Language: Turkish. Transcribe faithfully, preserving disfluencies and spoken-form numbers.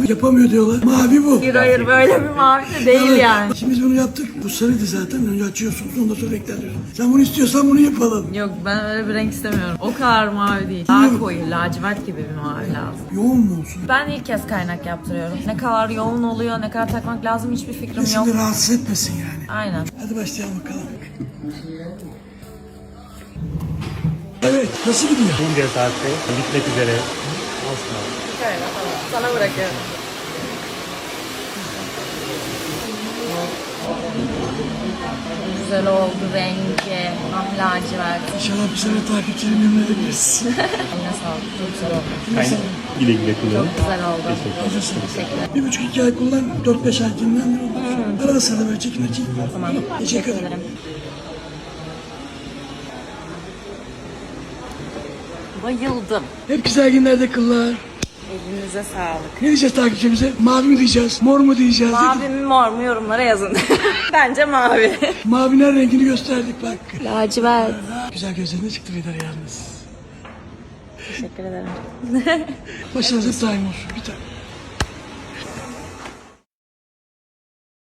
yapamıyor diyorlar. Mavi bu. Hayır hayır böyle bir mavi de değil Evet. yani. Şimdi biz bunu yaptık. Bu sarıydı zaten. Önce açıyorsunuz. Ondan sonra renkler diyorsun. Sen bunu istiyorsan bunu yapalım. Yok ben öyle bir renk istemiyorum. O kadar mavi değil. Daha koyu, lacivert gibi bir mavi lazım. Yoğun mu olsun? Ben ilk kez kaynak yaptırıyorum. Ne kadar yoğun oluyor, ne kadar takmak lazım hiçbir fikrim yok. Seni rahatsız etmesin yani. Aynen. Hadi başlayalım bakalım. Evet. Nasıl gidiyor? Bunca saatte bitmek üzere. Az kaldı. Şöyle tamam. Sana bırakıyorum. Güzel oldu rengi. Ah lacivert. İnşallah bir sene takipçileri memnun edebiliriz. Eline sağlık. Çok güzel oldu. Aynen. Güle güle kullanın. Çok güzel oldu. Hazırsın. Teşekkürler. Bir buçuk iki ay kullan. Dört beş ay dinlendir. Hmm. Arada sırada böyle çekin açayım. Tamam. Teşekkür ederim. Bayıldım. Hep güzel günlerde kıllar. Elinize sağlık. Ne diyeceğiz takipçimize? Mavi mi diyeceğiz? Mor mu diyeceğiz? Mavi mi mor mu yorumlara yazın. Bence mavi. Mavinin her rengini gösterdik bak. Lacivert. Güzel gözlerine çıktı Vedar yalnız. Teşekkür ederim. Başınıza daim olsun. Bir tane.